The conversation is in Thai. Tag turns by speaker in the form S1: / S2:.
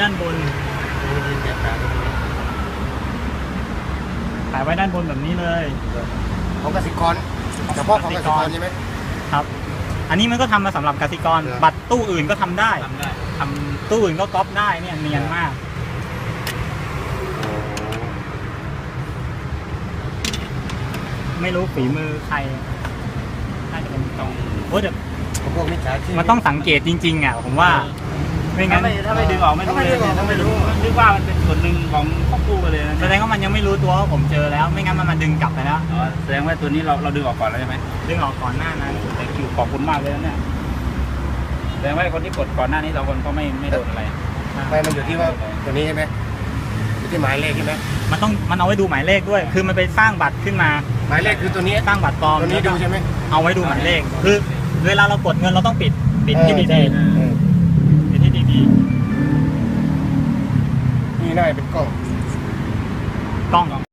S1: านบนแปะไว้ด้านบนแบบนี้เลย
S2: ของกสิกรเฉพาะของกสิกรใช่ไหม
S1: ครับ อันนี้มันก็ทำมาสำหรับกสิกรบัตรตู้อื่นก็ทำได้ทำตู้อื่นก็ก๊อปได้เนี่ยเนียนมากไม่รู้ฝีมือใครน่าจะเป็นตรงโอ้เดี๋ยว
S2: พวกมิจฉาชีพ
S1: มันต้องสังเกตจริงๆอ่ะผมว่าไม่งั้น
S3: ถ้าไม่ดึงออกไม่รู้เลยถ้าไม่รู้นึกว่ามันเป็นส่วนหนึ่งของครอบครัวเลยนะ
S1: แสดงว่ามันยังไม่รู้ตัวว่าผมเจอแล้วไม่งั้นมันมาดึงกลับไปแล้ว
S3: แสดงว่าตัวนี้เราดึงออกก่อนแล้วใช่ไหม
S1: ดึงออกก่อนหน้านั้น
S3: ขอบคุณมากเลยนะเนี่ยแสดงว่าคนที่กดก่อนหน้านี้เราคนก็ไม่โดนอะไร
S2: ไม่มันอยู่ที่ว่าตัวนี้ใช่ไหมอยู่ที่หมายเลขใช่ไหม
S1: มันเอาไว้ดูหมายเลขด้วย คือมันไปสร้างบัตรขึ้นมา
S2: หมายเลขคือตัวนี้
S1: สร้างบัตรปลอม
S2: ตัวนี้ดูใช่ไหม
S1: เอาไว้ดูหมายเลขคือเวลาเรากดเงินเราต้องปิดที่ดี
S2: ๆ
S1: ปิดที่ดี
S2: นี่น่าจะเป็นกล้อง
S1: ๆกล้อง